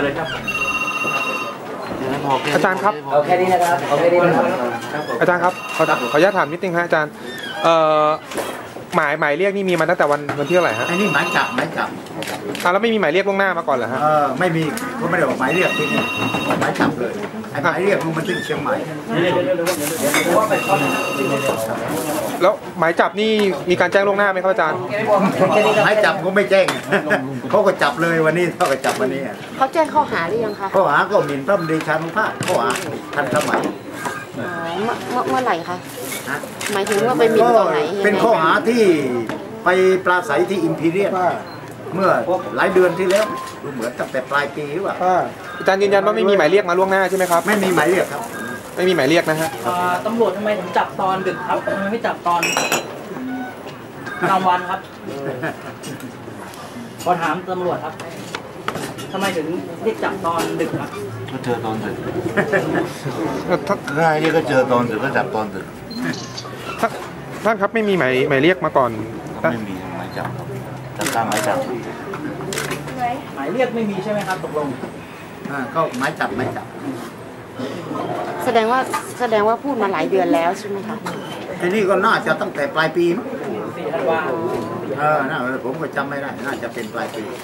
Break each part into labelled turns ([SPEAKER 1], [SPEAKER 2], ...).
[SPEAKER 1] เลยครับ
[SPEAKER 2] อาจารย์ครับ
[SPEAKER 3] เอาแค่นี้นะครับเอาแค่นี้นะครับ
[SPEAKER 2] อาจารย์ครับขออนุญาตถามนิดนึงฮะอาจารย์หมายเรียกนี่มีมาตั้งแต่วันที่เท่าไหร่ฮะ
[SPEAKER 1] ไอ้นี่หมายจับ
[SPEAKER 2] แล้วไม่มีหมายเรียกล่วงหน้ามาก่อนเหรอฮะ
[SPEAKER 1] ไม่มีก็ไม่ได้บอกหมายเรียกที่นี่หมายจับเลยไอ้หมายเรียกมันถึงเชียงใหม่
[SPEAKER 2] แล้วหมายจับนี่มีการแจ้งล่วงหน้าไหมครับอาจารย์
[SPEAKER 1] หมายจับก็ไม่แจ้งเขาก็จับเลยวันนี้เขาก็จับวันนี้
[SPEAKER 4] เขาแจ้งข้อหาหรือยังคะ
[SPEAKER 1] ข้อหาก็หมิ่นพระบรมชานุภาพข้อหาทันสมัย
[SPEAKER 4] เมื่อไหร่คะหมายถึงว่าไปหมิ่นตอนไหน
[SPEAKER 1] เป็นข้อหาที่ไปปราศัยที่อิมพีเรียลเมื่อหลายเดือนที่แล้วเหมือนตั้งแต่ปลายปีหรือเปล่า
[SPEAKER 2] อาจารย์ยืนยันว่าไม่มีหมายเรียกมาล่วงหน้าใช่ไหมครับ
[SPEAKER 1] ไม่มีหมายเรียกครับ
[SPEAKER 2] ไม่มีหมายเรียกนะฮะ
[SPEAKER 3] ตำรวจทำไมถึงจับตอนดึกครับทำไมไม่จับตอนกลางวันครับขอถามตำรวจครับทำไมถึงเรียกจับตอนดึกครับ
[SPEAKER 5] ก็เจอตอนดึกง่ายนี่ก็เจอตอนดึกก็จับตอนดึก
[SPEAKER 2] ท่านครับไม่มีหมายเรียกมาก่อน
[SPEAKER 5] ไม่มีหมายจับครับตามหมายจับ
[SPEAKER 3] หมายเรียกไม่มีใช่ไหมครับตกลง
[SPEAKER 1] ก็หมายจับ
[SPEAKER 4] แสดงว่าพูดมาหลายเดือนแล้วใช่ไหมคะ
[SPEAKER 1] ทีนี้ก็น่าจะตั้งแต่ปลายปีมั้งน่าผมก็จำไม่ได้น่าจะเป็นปลายปี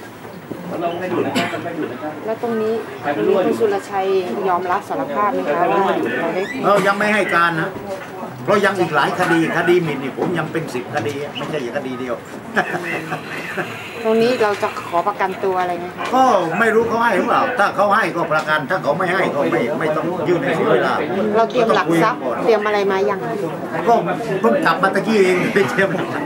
[SPEAKER 4] แล้วตรงนี้คุณสุรชัยยอมรับสารภาพไหมคะว่า
[SPEAKER 1] เรายังไม่ให้การนะเพราะยังอีกหลายคดีหมิ่นนี่ผมยังเป็น10 คดีไม่ใช่คดีเดียว
[SPEAKER 4] ตรงนี้เราจะขอประกันตัวอะไรไหมคะ
[SPEAKER 1] ก็ไม่รู้เขาให้หรือเปล่าถ้าเขาให้ก็ประกันถ้าเขาไม่ให้ก็ไม่ต้องยื่นในเวลา
[SPEAKER 4] เราเตรียมหลักทรัพย์เตรียมอะไรมาอย่าง
[SPEAKER 1] ก็เพิ่งจับมาตะกี้เองไปเตรียม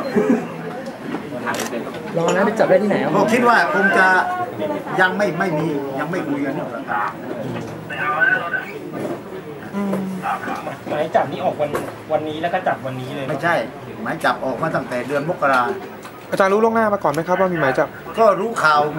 [SPEAKER 3] รอนะไปจับได้ที่ไหน
[SPEAKER 1] ผมคิดว่าคงจะยังไม่มียังไม่คุยกัน
[SPEAKER 3] หมายจับนี้ออกวันนี้แล้วก็จับวันนี้เลย
[SPEAKER 1] ไม่ใช่หมายจับออกมาตั้งแต่เดือนมกรา
[SPEAKER 2] อาจารย์รู้ล่วงหน้ามาก่อนไหมครับว่ามีหมายจับ
[SPEAKER 1] ก็รู้ข่าว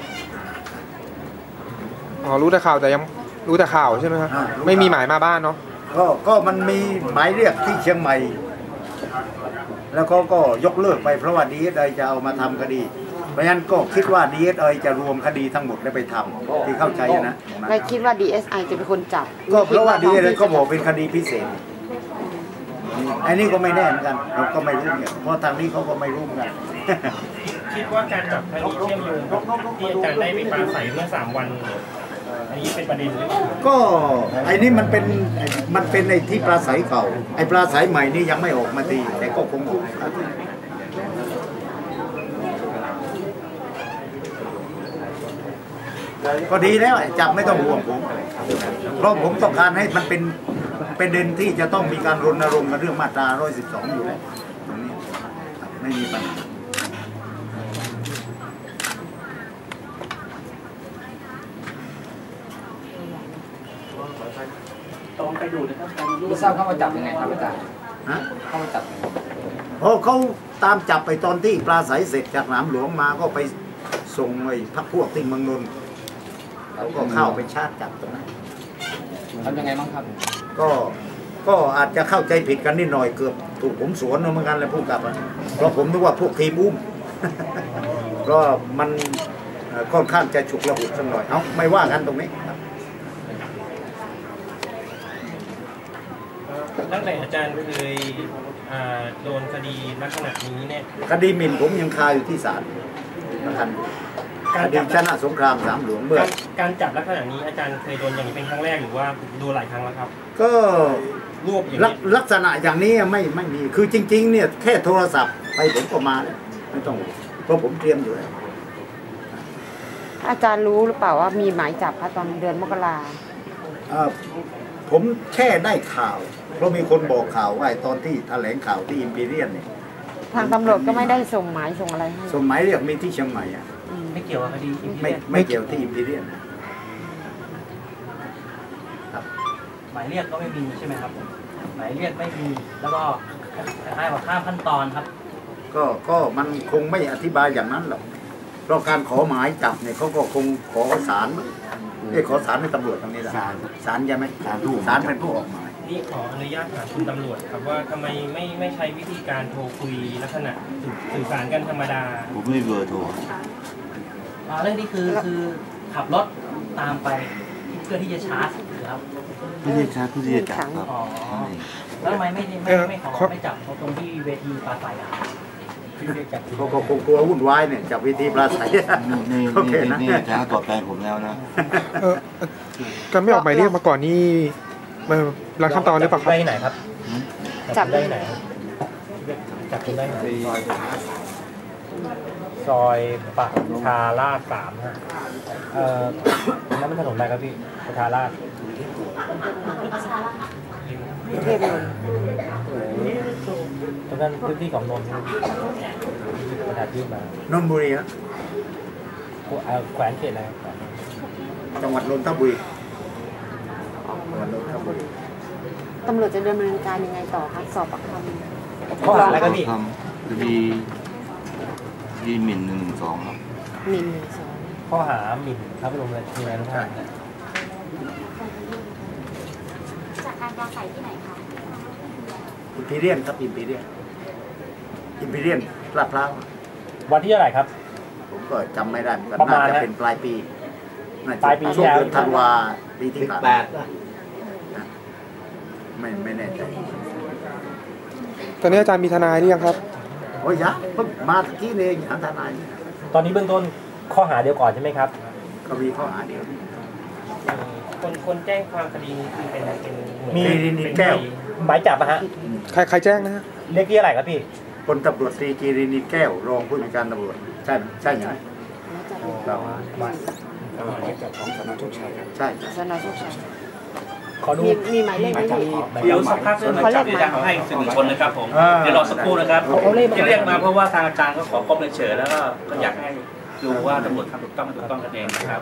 [SPEAKER 2] รู้แต่ข่าวแต่ยังรู้แต่ข่าวใช่ไหมครับไม่มีหมายมาบ้านเนาะ
[SPEAKER 1] ก็มันมีหมายเรียกที่เชียงใหม่แล้วเขาก็ยกเลิกไปเพราะว่า DSI จะเอามาทำคดีเพราะฉะนั้นก็คิดว่า DSI จะรวมคดีทั้งหมดแล้วไปทำที่เข้าใจนะ
[SPEAKER 4] ไม่คิดว่า DSI จะเป็นคนจับ
[SPEAKER 1] ก็เพราะว่า DSI ก็บอกเป็นคดีพิเศษอันนี้ก็ไม่แน่เหมือนกันเราก็ไม่รู้เนี่ยเพราะทางนี้เขาก็ไม่รู้เหมือนกัน
[SPEAKER 3] คิดว่าการจับคดีเชื่อมโยงที่อาจารย์ได้ไปปราศัยเมื่อ3 วันอันนี้เป็นประเด็นหรือ
[SPEAKER 1] ก็ไอ้นี่มันเป็นไอ้ที่ปราศัยเก่าไอ้ปราศัยใหม่นี่ยังไม่ออกมาดีแต่ก็คงออกก็ดีแล้วจับไม่ต้องห่วงผมเพราะผมต้องการให้มันเป็นประเด็นที่จะต้องมีการรณรงค์กันเรื่องมาตรา112อยู่แล้วตรงนี้ไม่มีปัญหา
[SPEAKER 3] ต้องไปดูนะครับไม่ทราบเข้ามาจับยังไงครับอาจารย์เข้ามาจับ
[SPEAKER 1] เพราะเขาตามจับไปตอนที่ปราศัยเสร็จจากสนามหลวงมาก็ไปส่งไอ้พรรคพวกที่เมืองนนท์แล้วก็เข้าไปชาร์จจับตรงนั้น
[SPEAKER 3] ทำยังไงบ้างครับ
[SPEAKER 1] ก็อาจจะเข้าใจผิดกันนิดหน่อยเกือบถูกผมสวนเหมือนกันเลยพูดกับเพราะผมนึกว่าพวกทีมอุ้มเพราะมันค่อนข้างจะฉุกละหุกสักหน่อยเอ้าไม่ว่ากันตรงนี้
[SPEAKER 3] ตั้งแต่อาจารย์เคยโดนคดีลักษณะนี้เนี่ย
[SPEAKER 1] คดีหมิ่นผมยังคาอยู่ที่ศาลนะครับคดีชนะสงครามสามหลวงเมื่อ
[SPEAKER 3] การจับลักษณะนี้อาจารย์เคยโดนอย่างนี้เป็นครั้งแรกหรือว่าโดนหลายครั้งแล้วครับ
[SPEAKER 1] ก็
[SPEAKER 3] รวบอย่าง
[SPEAKER 1] ลักษณะอย่างนี้ไม่มีคือจริงๆเนี่ยแค่โทรศัพท์ไปผมก็มาเลยไม่ต้องเพราะผมเตรียมอยู่แล้ว
[SPEAKER 4] อาจารย์รู้หรือเปล่าว่ามีหมายจับคะตอนเดือนมกรา
[SPEAKER 1] ผมแค่ได้ข่าวเพราะมีคนบอกข่าวว่าตอนที่แถลงข่าวที่อิมพีเรียลเนี่ย
[SPEAKER 4] ทางตำรวจก็ไม่ได้ส่งหมายส่งอะไรให้
[SPEAKER 1] ส่งหมายเรียกมีที่เชียงใหม่
[SPEAKER 3] ไม่เกี่ยวกับคดี
[SPEAKER 1] ไม่เกี่ยวที่อิมพีเรียล
[SPEAKER 3] ครับหมายเรียกก็ไม่มีใช่ไหมครับหมายเรียกไม่มีแล้วก็คล้ายๆกับข้ามขั้นตอนครับ
[SPEAKER 1] ก็มันคงไม่อธิบายอย่างนั้นหรอกเพราะการขอหมายจับเนี่ยเขาก็คงขอศาลขอศาลในตำรวจตรงนี้แหละศาลใช่ไหมศาลเป็นผู้ออกหมาย
[SPEAKER 3] นี่ขออนุญาตถามคุณตำรวจครับว่าทำไมไม่ใช้วิธีการโทรคุยลักษณะสื่อสารกันธรรมดา
[SPEAKER 5] ผมไม่เบอร์โทร
[SPEAKER 3] เรื่องนี้คือขับรถตามไปเพื่อที่จะชาร์จครับ
[SPEAKER 5] ไม่ใช่ชาร์จผู้ที่จะจับครับ
[SPEAKER 3] อ๋อ
[SPEAKER 5] นั่นเอง
[SPEAKER 3] แล้วทำไมไม่ขอไม่จับตรงที่เวทีปราศัยอ่ะที่ได้จับ
[SPEAKER 1] ก็คงกลัววุ่นวายเนี่ยจากเวทีปราศัย
[SPEAKER 5] นี่
[SPEAKER 1] โอเคนะ
[SPEAKER 5] นี่ช้าตอบแทนผมแล้วนะ
[SPEAKER 2] การไม่ออกหมายเรียกมาก่อนนี่รังขั้นตอนหรือเปล่าครับ
[SPEAKER 3] ได้ไหนครับ
[SPEAKER 4] จับ
[SPEAKER 3] ได้ไหนจับคุณได้ไหนซอยปักชาลาด3ฮะนั่นเป็นถนนอะไรครับพี่ประชาราษฎร์
[SPEAKER 4] เทพนนท์
[SPEAKER 3] ตรงนั้นพื้นที่ของนนท์ประชาชื่อมาน
[SPEAKER 1] นทบุรีฮะ
[SPEAKER 3] แขวนเขตอะไร
[SPEAKER 1] จังหวัดนนทบุรีจังหวัดนนทบุรี
[SPEAKER 4] ตำรวจจะดำเนินการยังไงต่อคะสอบปากคำ
[SPEAKER 3] ข้อหาอะไรครับพี่
[SPEAKER 5] ทำคดีหมิ่น112ครับ
[SPEAKER 4] หมิ่นสอง
[SPEAKER 3] ข้อหาหมิ่นพระบรมราชินีนาถ
[SPEAKER 6] จากการปราศัยที่ไหนคะ
[SPEAKER 1] อิมพีเรียนครับอิมพีเรียนลาดพร้าว
[SPEAKER 3] วันที่เท่าไหร่ครับ
[SPEAKER 1] ผมก็จำไม่ได้เหมือนกัน
[SPEAKER 3] ประมา
[SPEAKER 1] น่า
[SPEAKER 3] ณ
[SPEAKER 1] จะ
[SPEAKER 3] นะ
[SPEAKER 1] เป็นปลายปีน่าจะ
[SPEAKER 3] ปลายปี
[SPEAKER 1] ช่วงเดือน
[SPEAKER 3] ที่แล้ว
[SPEAKER 1] ธันวาปีที่ผ่านมาไม่แน่ใจ
[SPEAKER 2] ตอนนี้อาจารย์มีทนายหรือยังครับ
[SPEAKER 1] โอ้ยยะเพิ่งมาตะกี้นี่เองหาทนาย
[SPEAKER 3] ตอนนี้เบื้องต้นข้อหาเดียวก่อนใช่ไหมครับ
[SPEAKER 1] ก็มีข้อหาเดียว
[SPEAKER 7] คนแจ้งความคดีนี้คือเป็น
[SPEAKER 3] มี
[SPEAKER 1] กีรินีแก้ว
[SPEAKER 3] หมายจับนะฮะ
[SPEAKER 2] ใครแจ้งนะฮะ
[SPEAKER 3] เรียกที่อะไรครับพี่
[SPEAKER 1] พลตำรวจตรีกีรินีแก้วรองผู้บัญชาการตำรวจใช่ไหมใช่ไหมเรา
[SPEAKER 4] สนโชคชัย
[SPEAKER 1] ใช่
[SPEAKER 3] ขอดู
[SPEAKER 4] มีหมายเลขไหมพี่
[SPEAKER 7] เดี๋ยวสักพักเรื่องหมายจับจะให้สื่อมวลชนนะครับผม เดี๋ยวรอสักครู่นะครับที่เรียกมาเพราะว่าทางอาจารย์ก็ขอพบเฉยๆแล้วก็อยากให้ดูว่าตำรวจทำถูกต้องไม่ถูกต้องกันเองนะครับ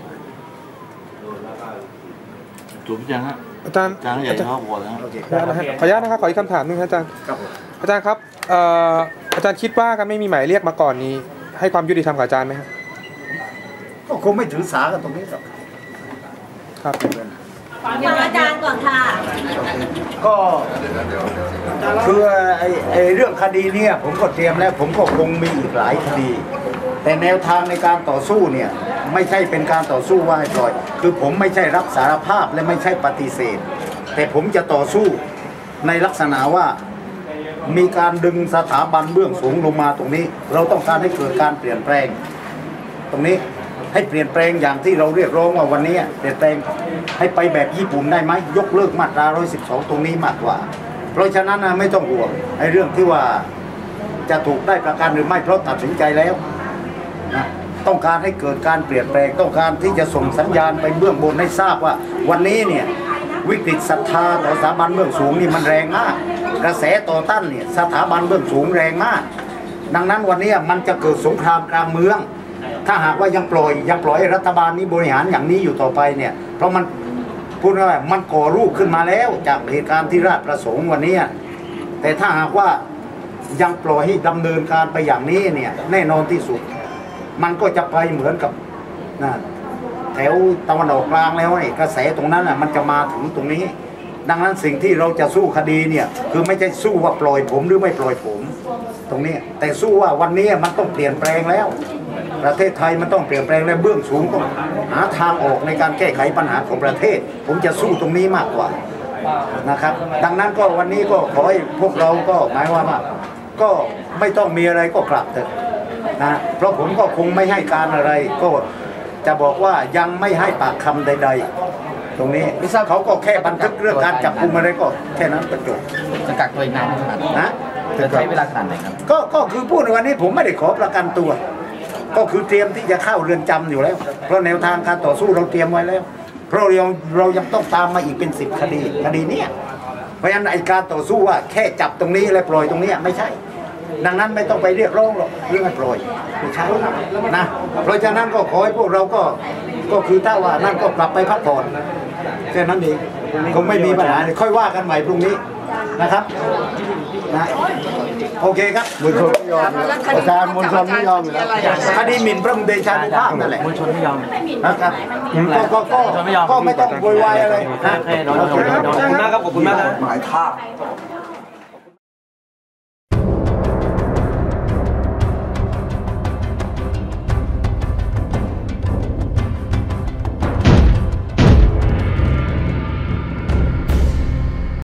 [SPEAKER 5] จบยังฮะ
[SPEAKER 2] อาจารย์
[SPEAKER 5] อาจารย์ใหญ่ชอบพอแล้ว
[SPEAKER 1] โอเค
[SPEAKER 2] ขออนุญาตนะฮะขออนุญาตนะครับขออีกคำถามหนึงครับอาจารย์
[SPEAKER 1] ครับผม
[SPEAKER 2] อาจารย์ครับอาจารย์คิดว่าการไม่มีหมายเรียกมาก่อนนี้ ให้ความยุติธรรมกับอาจารย์ไหมครับ
[SPEAKER 1] ก็คงไม่ถือสากันตรงนี้หรอก
[SPEAKER 2] ครับ
[SPEAKER 6] ฟังอาจารย์ก่อนค่ะ
[SPEAKER 1] ก็คือไอ้เรื่องคดีเนี่ยผมก็เตรียมแล้วผมก็คงมีอีกหลายคดี แต่แนวทางในการต่อสู้เนี่ยไม่ใช่เป็นการต่อสู้ว่าให้ปล่อยคือผมไม่ใช่รับสารภาพและไม่ใช่ปฏิเสธ แต่ผมจะต่อสู้ในลักษณะว่ามีการดึงสถาบันเบื้องสูงลงมาตรงนี้ เราต้องการให้เกิดการเปลี่ยนแปลง ตรงนี้ให้เปลี่ยนแปลงอย่างที่เราเรียกร้องว่าวันนี้เปลี่ยนแปลงให้ไปแบบญี่ปุ่นได้ไหมยกเลิกมาตรา 112 ตรงนี้มากกว่า เพราะฉะนั้นไม่ต้องห่วงไอ้เรื่องที่ว่าจะถูกได้ประกันหรือไม่เพราะตัดสินใจแล้วนะต้องการให้เกิดการเปลี่ยนแปลงต้องการที่จะส่งสัญญาณไปเบื้องบนให้ทราบว่าวันนี้เนี่ยวิกฤตศรัทธาต่อสถาบันเบื้องสูงนี่มันแรงมากกระแสต่อต้านเนี่ยสถาบันเบื้องสูงแรงมาก ดังนั้นวันนี้มันจะเกิดสงครามกลางเมืองถ้าหากว่ายังปล่อยให้รัฐบาลนี้บริหารอย่างนี้อยู่ต่อไปเนี่ยเพราะมันพูดง่ายๆมันก่อรูปขึ้นมาแล้วจากเหตุการณ์ที่ราชประสงค์วันนี้แต่ถ้าหากว่ายังปล่อยให้ดำเนินการไปอย่างนี้เนี่ยแน่นอนที่สุดมันก็จะไปเหมือนกับแถวตะวันออกกลางแล้วไอ้กระแสตรงนั้นมันจะมาถึงตรงนี้ดังนั้นสิ่งที่เราจะสู้คดีเนี่ยคือไม่ใช่สู้ว่าปล่อยผมหรือไม่ปล่อยผมตรงนี้แต่สู้ว่าวันนี้มันต้องเปลี่ยนแปลงแล้วประเทศไทยมันต้องเปลี่ยนแปลงและเบื้องสูงต้องหาทางออกในการแก้ไขปัญหาของประเทศผมจะสู้ตรงนี้มากกว่านะครับดังนั้นก็วันนี้ก็ขอให้พวกเราก็หมายว่าก็ไม่ต้องมีอะไรก็กลับเถอะนะเพราะผมก็คงไม่ให้การอะไรก็จะบอกว่ายังไม่ให้ปากคำใดๆตรงนี้เขาก็แค่บันทึกเรื่องการจับกุมอะไรก็แค่นั้นประจบ
[SPEAKER 7] จะกักตัวอีกนานขนาดไหน
[SPEAKER 1] นะ
[SPEAKER 7] จะใช้เวลาขนาดไหนครับ
[SPEAKER 1] ก็คือพูดในวันนี้ผมไม่ได้ขอประกันตัว ก็คือเตรียมที่จะเข้าเรือนจำอยู่แล้วเพราะแนวทางการต่อสู้เราเตรียมไว้แล้วเพราะเรายังต้องตามมาอีกเป็น10 คดีเนี้ยเพราะฉะนั้นไอการต่อสู้ว่าแค่จับตรงนี้และปล่อยตรงนี้ไม่ใช่ ดังนั้นไม่ต้องไปเรียกร้องหรอกเรื่องให้ปล่อยไม่ใช่นะเพราะฉะนั้นก็ขอให้พวกเราก็คือถ้าว่านั่นก็กลับไปพักผ่อนแค่นั้นเองคงไม่มีปัญหาค่อยว่ากันใหม่พรุ่งนี้นะครับนะโอเคครับมวลชนไม่ยอมอาจารย์มวลชนไม่ยอมอยู่แล้วคดีหมิ่นพระบรมเดชานุภาพนั่นแหละ
[SPEAKER 3] มวลชนไม่ยอม
[SPEAKER 1] นะครับก็ไม่ต้องโวยวายอะไรนะ
[SPEAKER 3] ขอบคุณมากครับขอบคุณมากครับ
[SPEAKER 8] หมายทาบ